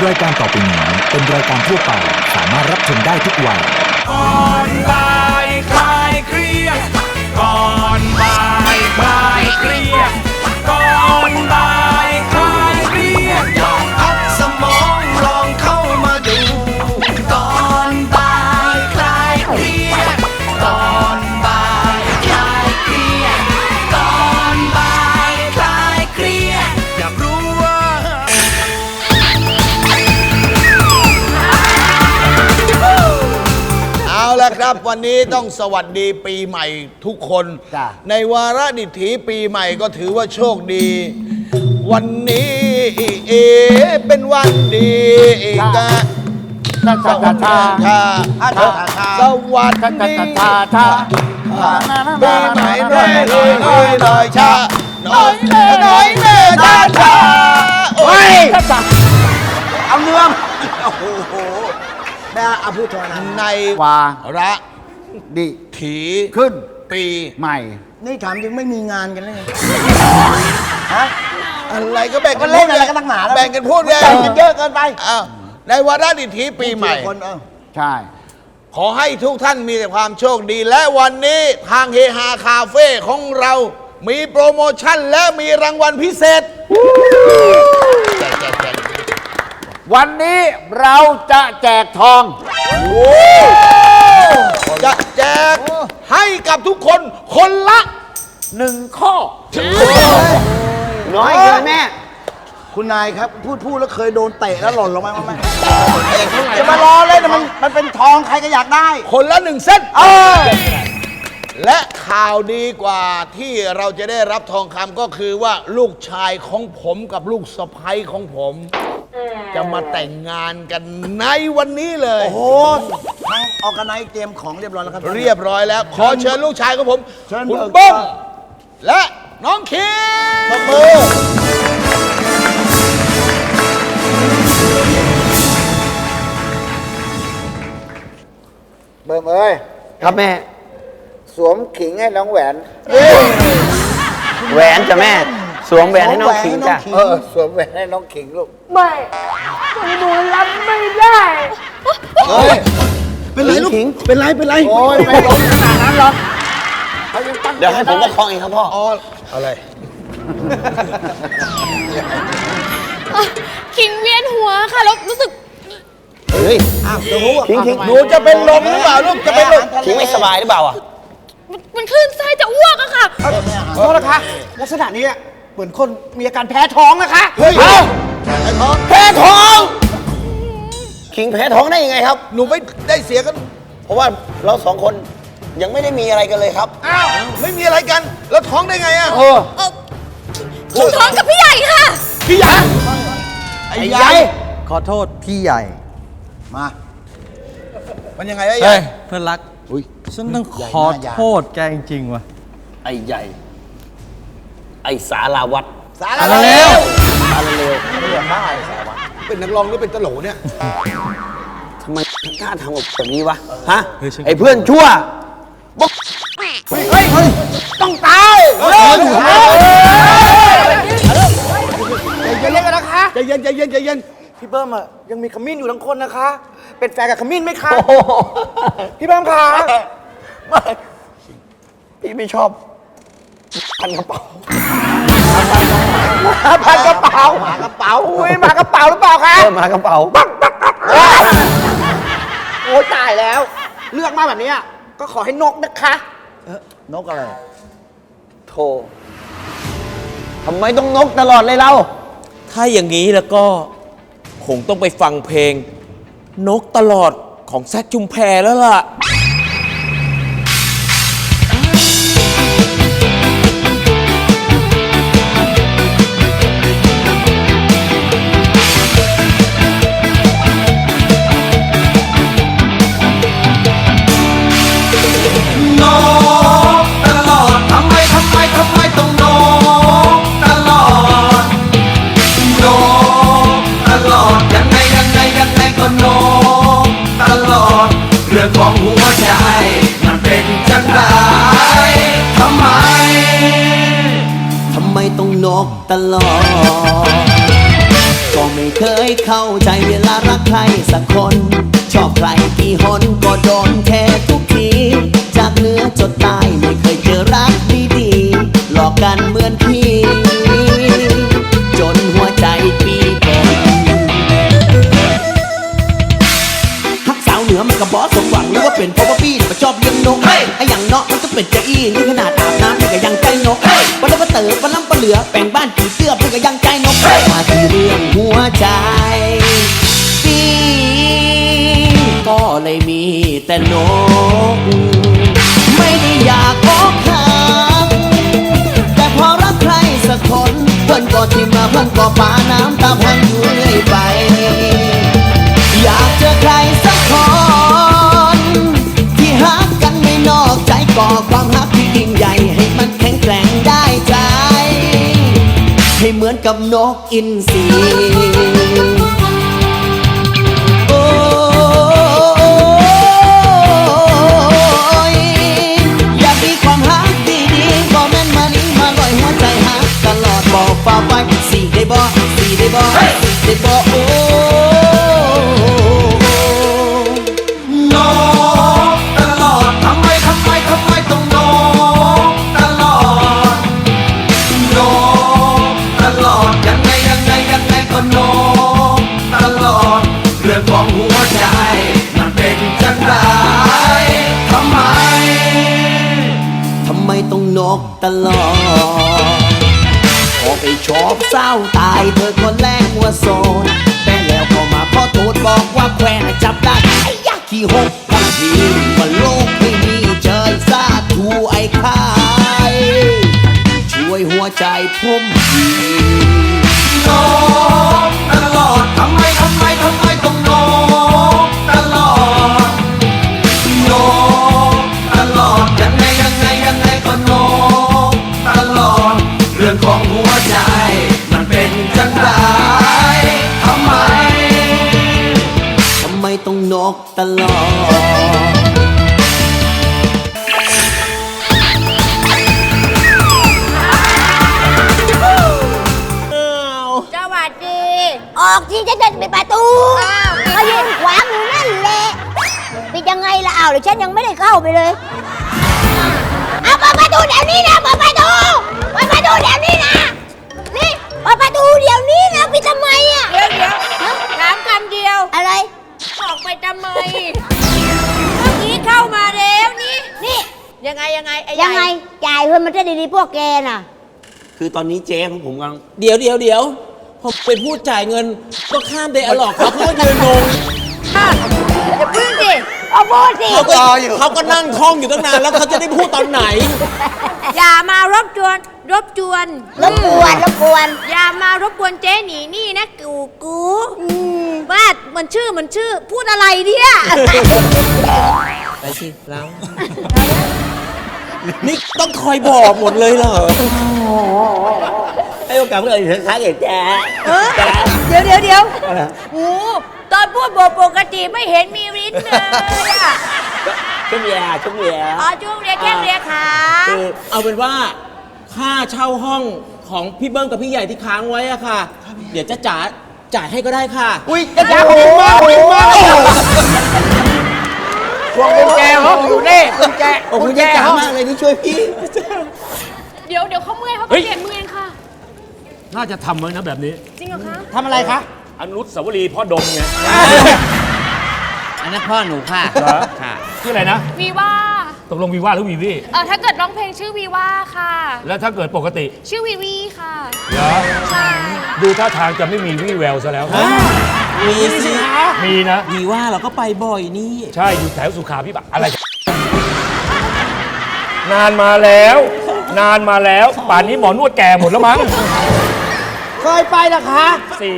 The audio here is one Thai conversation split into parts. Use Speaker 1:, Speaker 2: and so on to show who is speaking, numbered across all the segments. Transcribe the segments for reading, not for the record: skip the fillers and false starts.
Speaker 1: รายการต่อไปนี้เป็นรายการทั่วไปสามารถรับชมได้ทุกวัย
Speaker 2: ก่อนบ่ายคลายเครียดก่อนบ่ายคลายเครียดก่อนบ่ายคลายเครียดลองพักสมองลองเข้ามาดูก่อนบ่ายคลายเครียดก่อนบ่ายคลายเครียดก่อนบ่ายคลายเครียดอยากรู้ว่า
Speaker 3: เอาละครับวันนี้ต้องสวัสดีปีใหม่ทุกคนในวาระดิถีปีใหม่ก็ถือว่าโชคดี วันนี้เป็นวันดีกะสวัสดีค่ะสวัสดีปีใหม่หน่อยหน่อยชาหน่อยเน่ชาโอ้ย
Speaker 4: เอาเนื้อโอ้โหแม่อาพูดทนะ
Speaker 3: ใน
Speaker 4: วา
Speaker 3: ระ
Speaker 4: ดิ
Speaker 3: ถี
Speaker 4: ขึ้น
Speaker 3: ปี
Speaker 4: ใหม่นี่ถามจริงไม่มีงานกันเลยฮะ
Speaker 3: อะไรก็แบ่งกัน
Speaker 4: เล่นอะไรกันตั้งหนาแล้ว
Speaker 3: แบ่งกันพูดไง
Speaker 4: แบ่งกันเยอะเกินไป
Speaker 3: ในวาระดิถีปีใหม่
Speaker 4: ใช่
Speaker 3: ขอให้ทุกท่านมีแต่ความโชคดีและวันนี้ทางเฮฮาคาเฟ่ของเรามีโปรโมชั่นและมีรางวัลพิเศษ
Speaker 4: วันนี้เราจะแจกทอง
Speaker 3: จะแจกให้กับทุกคนคนละ
Speaker 4: 1 ข้อน้อยเกินแม่คุณนายครับพูดแล้วเคยโดนเตะแล้วหล่นลงมาไหมจะมารอเล่นมันเป็นทองใครก็อยากได้
Speaker 3: คนละ1 เส้นและข่าวดีกว่าที่เราจะได้รับทองคำก็คือว่าลูกชายของผมกับลูกสะใภ้ของผมจะมาแต่งงานกันในวันนี้เลย
Speaker 4: โอ้โหทางออกกันไนเตรียมของเรียบร้อยแล้วครับ
Speaker 3: เรียบร้อยแล้วขอเชิญลูกชายของผมคุณ
Speaker 4: เบิ้
Speaker 3: บ้
Speaker 4: ม
Speaker 3: มและน้องคิมตบมือ
Speaker 4: เบิ้มเอ้ยครับแม่สวมขิงให้น้องแหวน
Speaker 5: แหวนจ้ะแม่สวมแหวนให้น้องขิงจ้ะ
Speaker 4: สวมแหวนให้น้องขิงลูก
Speaker 6: ไม่หนูรับไม่ได้
Speaker 4: เป็นไรลูกเป็นไรโอ้ยไม่ล้มขนาดนั้นหรอก
Speaker 5: เดี๋ยวให้ผมประคองเองครับพ่อ
Speaker 3: อะไร
Speaker 6: คิงเวียนหัวค่ะแล้วรู้สึก
Speaker 5: เฮ้ย
Speaker 3: ขิงหนูจะเป็นลมหรือเปล่าลูกจะเป็นลม
Speaker 5: ขิงไม่สบายหรือเปล่า
Speaker 6: มันคลื่นไส้จะอ้วกอะค่ะ
Speaker 4: โทษนะคะลักษณะนี้เหมือนคนมีอาการแพ้ท้องนะคะ
Speaker 3: เฮ้ย
Speaker 5: แพ้ท้องขิงแพ้ท้องได้ยังไงครับ
Speaker 3: หนูไม่ได้เสียกัน
Speaker 5: เพราะว่าเรา2 คนยังไม่ได้มีอะไรกันเลยครับ
Speaker 3: อ้าวไม่มีอะไรกันแล้วท้องได้ไงอ่ะ
Speaker 6: คิงท้องกับพี่ใหญ่ค่ะ
Speaker 3: พี่ใหญ่ไอ้ใหญ่
Speaker 7: ขอโทษพี่ใหญ่
Speaker 3: มามันยังไงไอ้ใหญ่
Speaker 7: เพื่อนรักฉันต้องขอโทษแกจริงๆว่ะ
Speaker 5: ไอ้ใหญ่ไอ้สาราวัตร
Speaker 3: สาราเลวเป็นนักร้องหรือเป็นตลกเนี่ย
Speaker 5: ทำไมกล้าทำแบบนี้วะฮะไอ้เพื่อนชั่ว
Speaker 3: เฮ้ยต้องตาย
Speaker 4: ใจเย็นกันนะคะ
Speaker 3: ใจเย็น
Speaker 4: พี่เบิ้มอ่ะยังมีขมิ้นอยู่ทั้งคนนะคะเป็นแฟนกับขมิ้นไหมคะพี่เบิ้มคะ
Speaker 5: ไม่พี่ไม่ชอบพันกระเป๋า
Speaker 4: หมากระเป๋าอุ้ยหมากระเป๋าหรือเปล่าคะ
Speaker 5: หมากระเป๋า
Speaker 4: โอ้ตายแล้วเลือกมาแบบนี้ก็ขอให้นกนะคะนกอะไร
Speaker 5: โธ่ทำไมต้องนกตลอดเลยเรา
Speaker 8: ถ้าอย่างนี้แล้วก็คงต้องไปฟังเพลงนกตลอดของแซคชุมแพแล้วล่ะ
Speaker 2: ของหัวใจมันเป็นจังไรทำไม
Speaker 5: ต้องนกตลอดก็ไม่
Speaker 9: เคยเข้าใจเวลารักใครสักคน ชอบใครกี่หนก็โดนแค่ทุกที จากเหนือจดใต้ไม่เคยเจอรักดีๆหลอกกันเหมือนพี่ จนหัวใจปีเป็นฮักสาวเหนือมันกับบอสสมหวังหรือว่าเป็นเพราะว่าพี่มันชอบเลี้ยงนกไอ้อย่างเนาะมันก็เป็นเจ้าอี้นี่ขนาดอาบน้ำมันก็ยังใจนกวันละวันเต๋อวันล้ำปะเหลือแบ่งบ้านผีเสื้อมันก็ยังใจนกมาที่เรื่องหัวใจพี่ก็เลยมีแต่นกไม่ได้อยากอกหักแต่พอรักใครสักคนเพื่อนก็ทิมมาเพื่อนก็ปาน้ำตาพังอยู่เรื่อยไปอยากเจอใครสักคนที่ฮักกันไม่นอกใจก่อความฮักที่ยิ่งใหญ่ให้มันแข็งแกร่งได้ใจให้เหมือนกับนกอินทรีโอ้ยอยากมีความฮักดีๆบอกแม่นมานี้มาลอยหัวใจฮักตลอดบอกฝ่าไปสี่ได้บ่สี่ได้บ่สี่ได้บ่โอ้นกตลอดทำไมต้องนกตลอดนกตลอดยังไงก็นกตลอดเรื่องของหัวใจมันเป็นจังไรทำไมต้องนกตลอดพอไปชอบเศร้าตายเธอคนแรกว่าโสดแต่แล้วพอมาพ่อโทษบอกว่าแควนจับได้ไอ้ยักษ์ขี้หกทั้งทีว่าโลกไม่มีเจอซาทูไอ้คายช่วยหัวใจผมทีนกตลอดทำไมต้องนกตลอดนกตลอดยังไงก็นกตลอดเรื่องของหัวใจมันเป็นจังไรทำไมต้องนกตลอด
Speaker 6: สวัสดี ออกที่จะเดินไปประตูก็ยืนขวางอยู่นั่นแหละปิดยังไงล่ะหรือฉันยังไม่ได้เข้าไปเลยเอาเปิดประตูเดี๋ยวนี้นะเปิดประตูเดี๋ยวนี้นะนี่เปิดประตูเดี๋ยวนี้นะปิดทำไมอ่ะเดี๋ยวถามคำเดียวอะไรออกไปทำไมเมื่อกี้เข้ามาแล้วนี่ยังไงไอ้ยังไงจ่ายเพื่อนมันจะดีๆพวกแกน่ะ
Speaker 9: คือตอนนี้เจ๊ของผมกำลัง
Speaker 8: เดี๋ยวพอเป็นผู้จ่ายเงินก็ข้ามไดอะล็อกเขาก็ยืนงง
Speaker 6: อย่าพึ่งสิเอาพูดสิ
Speaker 8: เขาก็นั่งท่องอยู่ตั้งนานแล้วเขาจะได้พูดตอนไหน
Speaker 6: อย่ามารบกวนอย่ามารบกวนเจ๊หนีนี่นะกูว่ามันชื่อพูดอะไรเนี่ย
Speaker 8: ไปสิแล้วนี่ต้องคอยบอกหมดเลยเหรอ
Speaker 9: ให้โอกาสเพื่อนอีกครั้งเองแจ๊
Speaker 6: เดี๋ยวโอ้ตอนพูดบอกปกติไม่เห็นมีลิ้นเลยอะ
Speaker 9: ชุ่มเลีย
Speaker 6: อ๋อจุ้งเรียกแค่เรียกขา
Speaker 8: คือเอาเป็นว่าค่าเช่าห้องของพี่เบิ้มกับพี่ใหญ่ที่ค้างไว้อะค่ะ เดี๋ยวจะจ่ายให้ก็ได้ค่ะ
Speaker 4: อุ้ยจ้าโอ้โหพวงกุญแจห้องอยู่นี่กุญแจ
Speaker 9: โอ้โหยจ๋ามากเลยที่ช่วยพี่
Speaker 6: เดี๋ยวเขาเมื่อยเขาเปลี่ยนมือเองค่ะ
Speaker 2: น่าจะทำไว้นะแบบนี้
Speaker 6: จริงเหรอคะ
Speaker 4: ทำอะไรคะ
Speaker 2: อนุสาวรีย์พ่อดมไง
Speaker 9: อันนั้นพ่อหนูค่ะ
Speaker 2: เหรอ
Speaker 9: ค่ะ
Speaker 2: ชื่ออะไรนะ
Speaker 6: วีว่า
Speaker 2: ตกลงวีว่าหรือวีวี
Speaker 6: ถ้าเกิดร้องเพลงชื่อวีว่าค่ะ
Speaker 2: แล้วถ้าเกิดปกติ
Speaker 6: ชื่อวีวีค่ะ
Speaker 2: เหรอ
Speaker 6: ใช่
Speaker 2: ดูท่าทางจะไม่มีวี่แววซะแล้ว
Speaker 8: มีสิ
Speaker 2: มีนะ
Speaker 8: วีว่าเราก็ไปบ่อยนี่
Speaker 2: ใช่อยู่แถวสุขาพิบาลอะไร นานมาแล้ว ป่านนี้หมอนวดแก่หมดแล้วมั้ง
Speaker 4: เคยไปนะคะ
Speaker 2: สี่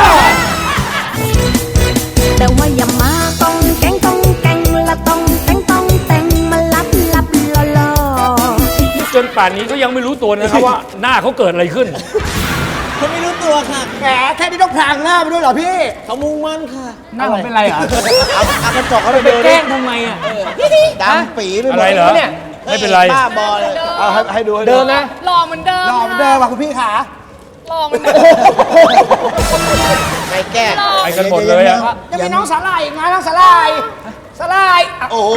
Speaker 10: แต่ว่าอย่ามาต้องแกงละต้องแต่งมาลับล่อ
Speaker 2: จนป่านนี้ก็ยังไม่รู้ตัวนะครับว่าหน้าเขาเกิดอะไรขึ้น
Speaker 8: เขาไม่รู้ตัวค่ะ
Speaker 4: แหมแค่นี้ต้องพรางหน้าไปด้วยเหรอพี่
Speaker 8: เขามุ่งมั่นค่ะ
Speaker 2: หน้าผมเป็นไรอ่ะ
Speaker 4: เอากระจกเขาไป
Speaker 2: ไป
Speaker 4: ดู
Speaker 2: แกล้งทำไมอ่ะ
Speaker 4: ดำปีไปหม
Speaker 2: อะไร
Speaker 4: ด
Speaker 2: เหรอ
Speaker 4: เนี่ย
Speaker 2: ไม่เป็นไร
Speaker 4: บ้าบอเลยเอาให้ดู
Speaker 2: เดินนะ
Speaker 6: หล่อเหมือนเดิม
Speaker 4: หล่อเหมือนเดิมว่ะคุณพี่ขา
Speaker 6: หล่อเหมือนเดิม
Speaker 4: ใน
Speaker 3: แก้
Speaker 2: ไปกันหมดเลยอะ
Speaker 4: จะมีน้องสาลายอีกนะน้องสาลายสาลาย
Speaker 3: โอ้โห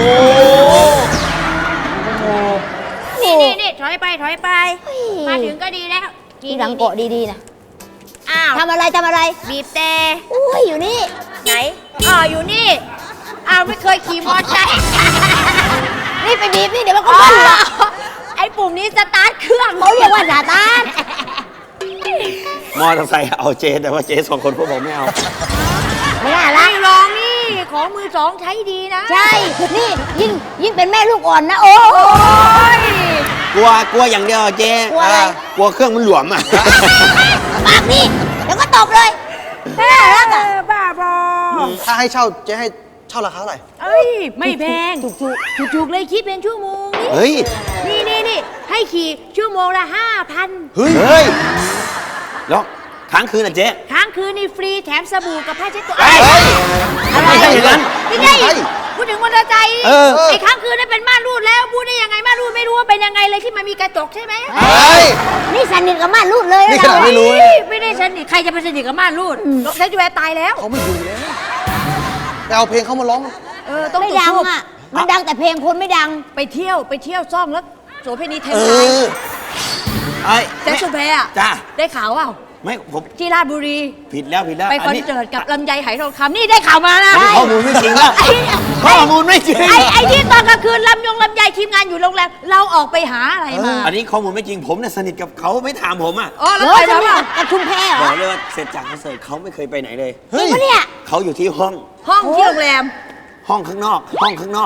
Speaker 6: นี่ถอยไปมาถึงก็ดีแล้วทีหลังเกาะดีๆนะอ้าวทำอะไรบีบแต่อุ้ยอยู่นี่ไหนอยู่นี่อ้าวไม่เคยขี่มอเตอร์ไซค์นี่ไปบีบนี่เดี๋ยวมันก็บิ้ลหรอกไอ้ปุ่มนี้สตาร์ทเครื่องเขาเรียกว่าสตาร์ท
Speaker 5: มอเตอร์ไซค์เอาเจ๊แต่ว่าเจ๊2 คนพวกผมไม่เอา
Speaker 6: ไม่น่ารักลองนี่ของมือสองใช้ดีนะใช่นี่ยิ่งเป็นแม่ลูกอ่อนนะโอ้ย
Speaker 5: กลัวอย่างเดียวเจ๊
Speaker 6: กลัวอะไร
Speaker 5: กลัวเครื่องมันหลวมอ่ะ
Speaker 6: ปากนี่เดี๋ยวก็ตบเลยน่ารักอ่ะบ้าบอ
Speaker 7: ถ้าให้เช่าเจ๊ให้เช่าราคาเท่าไหร่
Speaker 6: เอ้ยไม่แพงถูกเลยคิดเป็นชั่วโมง
Speaker 5: เฮ้ย
Speaker 6: นี่ให้ขี่ชั่วโมงละ 5,000
Speaker 5: เฮ้ยแล้วค้างคืนอ่ะเจ๊
Speaker 6: ค้างคืนนี่ฟรีแถมสบู่กับผ้าเช็ดตัว
Speaker 5: ไม่ใช่อย่างนั้น
Speaker 6: ไม่ใช่พูดถึงมอเตอร์ไซค์ ไอ้ค้างคืนนั่นเป็นม่านรูดแล้วพูดได้ยังไงม่านรูดไม่รู้ว่าเป็นยังไงเลยที่มันมีกระจกใช่ไหมนี่สนิทกับม่านรูดเลยนี่ขนาดไม่รู้ไม่ได้สนิทใครจะไปสนิทกับม่านรูดใช้จูแวร์ตายแล้ว
Speaker 7: เขาไม่ดูแล้วไปเอาเพลงเขามาร้อง
Speaker 6: ต้องไม่ดังอ่ะมันดังแต่เพลงคนไม่ดังไปเที่ยวซ่องแล้วโสเภณีเทนไทยแจ็คชุมแพอ่ะ
Speaker 5: จ้า
Speaker 6: ได้ข่าวเปล่า
Speaker 5: ไม่ผม
Speaker 6: ที่ราชบุรี
Speaker 5: ผิดแล้ว
Speaker 6: ไปคอนเสิร์ตกับลำไยไหทองคำนี่ได้ข่าวมานะ
Speaker 5: ข้อมูลไม่จริงแล้วข้อมูลไม่จริง
Speaker 6: ไอ้ที่ตอนกลางคืนลำไยทีมงานอยู่โรงแรมเราออกไปหาอะไรมา
Speaker 5: อันนี้ข้อมูลไม่จริงผมเนี่ยสนิทกับเขาไม่ถามผมอ่ะ
Speaker 6: แล้วไปทำอะไรกับชุมแพเหร
Speaker 5: บ
Speaker 6: อ
Speaker 5: อกเลยว่าเสร็จจากคอนเสิร์ตเขาไม่เคยไปไหนเลย
Speaker 6: จริงปะเนี่ย
Speaker 5: เขาอยู่ที่ห้อง
Speaker 6: ที่โรงแรม
Speaker 5: ห้องข้างนอก ห้องข้างนอก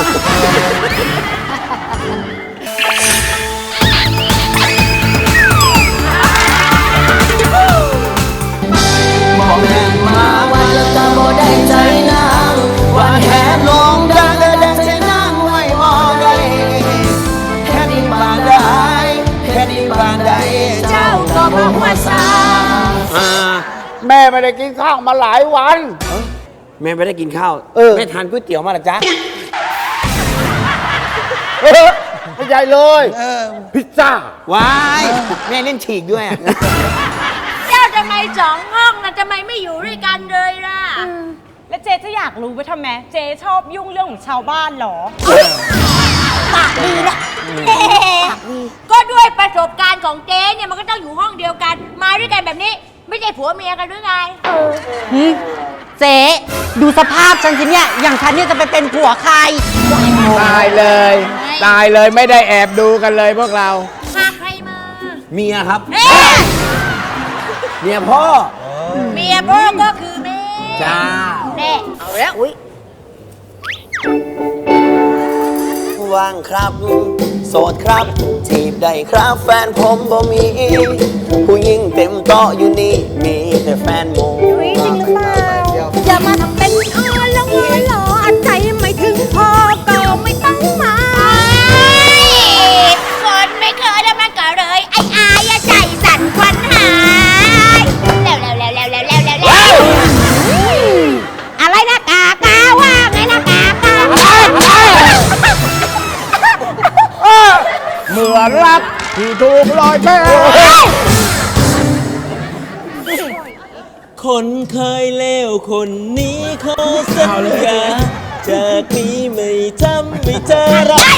Speaker 9: บอกแม่มาว่าแล้วก็บ่ได้ใจนางว่าแค่ลงดังก็ได้ใจนางไว้บ่ได้แค่นี้บานได้แค่นี้บานได้เจ้าก็บอกว่าสา
Speaker 4: แม่ไม่ได้กินข้าวมาหลายวัน
Speaker 5: แม่ไม่ได้กินข้าวแม่ทานก๋วยเตี๋ยวมาหรอจ๊ะ
Speaker 4: ไม่ใหญ่เลยพิซซ่า
Speaker 5: ว้ายแม่เล่นฉีกด้วยอะ
Speaker 6: เจ้าทำไม2 ห้องนะทำไมไม่อยู่ด้วยกันเลยล่ะ
Speaker 11: แล้วเจ๊จะอยากรู้ไปทำไม เจ๊ชอบยุ่งเรื่องของชาวบ้านเหรอ
Speaker 6: ปากดีนะก็ด้วยประสบการณ์ของเจ๊เนี่ยมันก็ต้องอยู่ห้องเดียวกัน มาด้วยกันแบบนี้ ไม่ใช่ผัวเมียกันหรือไง
Speaker 11: เจ๊ดูสภาพฉันสิเนี่ย อย่างฉันเนี่ยจะไปเป็นผัวใคร
Speaker 4: ตายเลยไม่ได้แอบดูกันเลยพวกเรา
Speaker 6: พาใครมา
Speaker 5: เมียครับ
Speaker 6: เอ๊ะ
Speaker 5: เมียพ่อ
Speaker 6: เมียพ่อก็คือแม่
Speaker 5: จ้า
Speaker 6: แน่เอาแล้วอุ้ย
Speaker 9: ว่างครับ โสดครับจีบได้ครับแฟนผมบ่มี ผู้หญิงเต็มโต๊ะอยู่นี่มีแต่แฟนโม
Speaker 10: จริงหรือเปล่าอย่ามาทำเป็นหล่ออันใจไม่ถึงพอก็ไม่ต้องมา
Speaker 6: คนไม่เคยแล้วมันก็เลยไอ้อายอะใจสั่นควันหายแล้วอะไรนะกากาว่าไงนะกากา
Speaker 4: เมื่อรักที่ถูกลอยแพ
Speaker 8: คนเคยเลวคนนี้ขอสัญญาจากนี้ไม่ทำไม่เจอรัก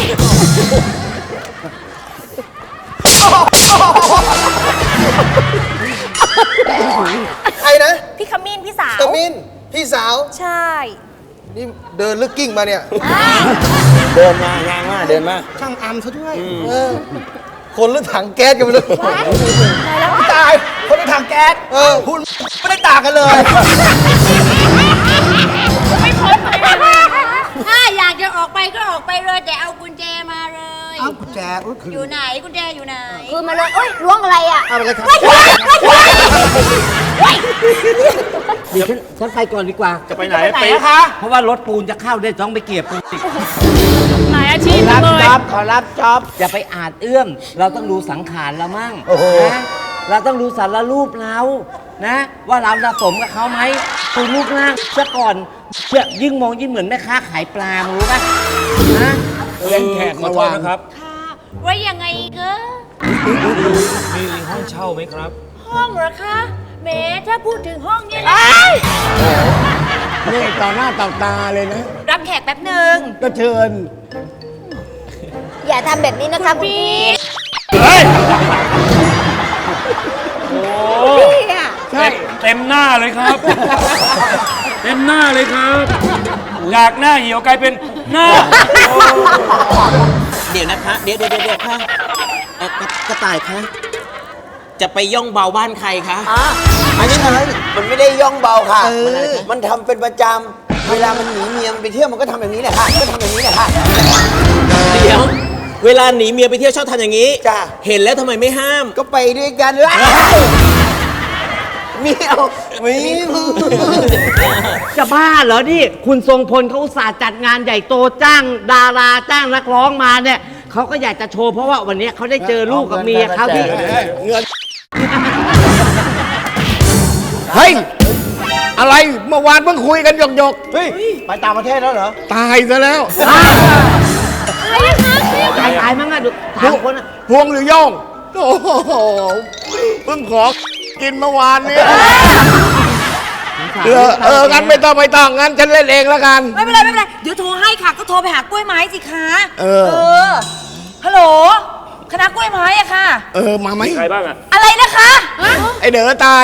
Speaker 7: ใครนะ
Speaker 11: พี่ขมิ้นพี่สาว
Speaker 7: ตะมิน พี่สาว
Speaker 11: ใช่
Speaker 7: นี่เดินลึกกิ้งมาเนี่ย
Speaker 5: เดินมายางมาเดินมา
Speaker 7: ช่างอัมซะด้วยคนหรือถังแก๊สกันไปเลยตาย คนหรือถังแก๊สคุณไม่ได้ต่างกันเลย
Speaker 6: ไม่พ้นไปถ้าอยากจะออกไปก็ออกไปเลยแต่เอากุญแจมาเลย
Speaker 7: เอากุญแจคือ
Speaker 6: อยู่ไหนกุญแจอยู่ไหนคือมาเลยเอ้ยล้วงอะไรอ่ะ
Speaker 7: เอาไปเลยครับ
Speaker 12: เดี๋ยวฉันไปก่อนดีกว่า
Speaker 5: จะไปไหน
Speaker 4: ไหนคะ
Speaker 12: เพราะว่ารถปูนจะเข้าได้ต้องไปเก็บปูนอีก
Speaker 11: หลายอาชีพ
Speaker 4: รับ
Speaker 11: เลย
Speaker 4: จ็อบขอรับจ็อบ
Speaker 12: อย่าไปอาจเอื้อม เราต้องดูสังขารเรามั่งนะเราต้องดูสารรูปเรานะ ว่าเราจะสมกับเขาไหมดูรูปร่างซะก่อนเชื่อยิ่งมองยิ่งเหมือนแม่ค้าขายปลามึงรู้ปะนะ
Speaker 4: เล่นแขก
Speaker 2: ขอโทษนะครับ
Speaker 6: ค่ะว่ายังไงเกอ
Speaker 2: มีห้องเช่าไหมครับ
Speaker 6: ห้องเหรอคะแหมถ้าพูดถึงห้องเนี่ยนะ
Speaker 4: นี่ต่อหน้าต่อตาเลยนะ
Speaker 6: รับแขกแป๊บหนึ่ง
Speaker 4: ก็เชิญ
Speaker 6: อย่าทำแบบนี้นะคะคุณพี่ พี่อะ
Speaker 4: ใช่
Speaker 2: เต็มหน้าเลยครับ เต็มหน้าเลยครับจากหน้าเหี่ยวกลายเป็นหน้า
Speaker 8: เดี๋ยวนะคะ เดี๋ยวค่ะกระต่ายคะจะไปย่องเบาบ้านใครคะ
Speaker 5: อันนี้มันไม่ได้ย่องเบาค่ะ มันทำเป็นประจำ เวลามันหนีเมียมันไปเที่ยวมันก็ทำแบบนี้แหละค่ะ ก็ทำแบบนี้แหละค่ะ
Speaker 8: เดี๋ยว เวลาหนีเมียไปเที่ยวชอบทำอย่างนี้
Speaker 5: จ้ะ
Speaker 8: เห็นแล้วทำไมไม่ห้าม
Speaker 5: ก็ไปด้วยกันเลยเมียวมี
Speaker 12: จะบ้าเหรอนี่ คุณทรงพลเขาอุตส่าห์จัดงานใหญ่โตจ้างดาราจ้างนักร้องมาเนี่ยเขาก็อยากจะโชว์เพราะว่าวันนี้เขาได้เจอลูกกับเมียเขาที่
Speaker 4: เฮ้ย อะไรเมื่อวานเพิ่งคุยกันหยกๆเฮ้ย ไปต่างประเทศแล้วเหรอ ตายซะแล้ว
Speaker 12: ตายมั้งอะดูถามคนอะ
Speaker 4: พวงหรือโย่องโอ้โหเพิ่งขอกินเมื่อวานนี้งั้นไม่ต้องงั้นฉันเล่นเองแล้วกัน
Speaker 6: ไม่เป็นไรไม่เป็นไร เดี๋ยวโทรให้ค่ะ ก็โทรไปหากล้วยไม้สิคะ ฮัลโหล คณะกล้วยไม้อะค่ะ
Speaker 4: มาไหม
Speaker 2: ใครบ้างอะ
Speaker 6: อะไรนะคะ
Speaker 4: ไอเด๋อตาย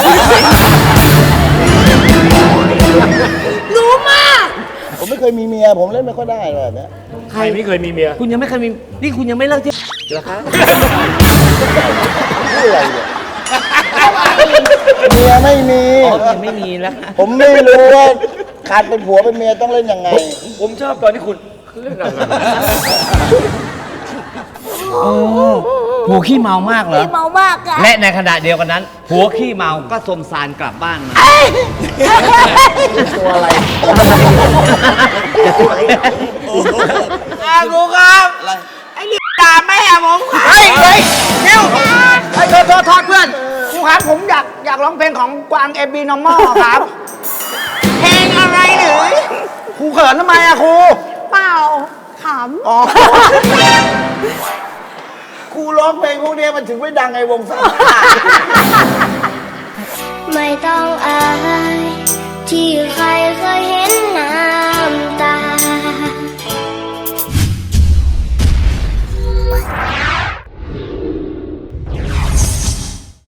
Speaker 6: รู้มาก
Speaker 4: ผมไม่เคยมีเมีย ผมเล่นไม่ค่อยได้เลยเนี่ย
Speaker 2: ใครไม่เคยมีเมีย
Speaker 12: คุณยังไม่เคยมี นี่คุณยังไม่เลิกที่
Speaker 4: พูดอะไรเนี่ยเมียไม่มี
Speaker 12: ยังไม่มีแล้ว
Speaker 4: ผมไม่รู้ว่าขาดเป็นผัวเป็นเมียต้องเล่นยังไง
Speaker 2: ผมชอบตอนที่คุณเล่นอะไร
Speaker 12: ผัวขี้เมามากเหรอ
Speaker 6: พี่เมามากค่ะ
Speaker 12: และในขณะเดียวกันนั้นผัวขี้เมาก็สมสารกลับบ้านมา
Speaker 4: ตัวอะไร
Speaker 5: ครูครับ ไอ้นี่ด่าแม่ผมค่ะ
Speaker 4: เฮ้ยนิวโทษเพื่อนครูครับผมอยากร้องเพลงของกวางเอบีนอมอครับ
Speaker 5: เพลงอะไรหรือ
Speaker 4: ครูเขินทำไมอะครู
Speaker 6: เปล่าข
Speaker 4: อ๋อ ครูร้องเพลงพวกนี้มันถึงไม่ดังไงวงสาม
Speaker 10: ไม่ต้องอายที่ใคร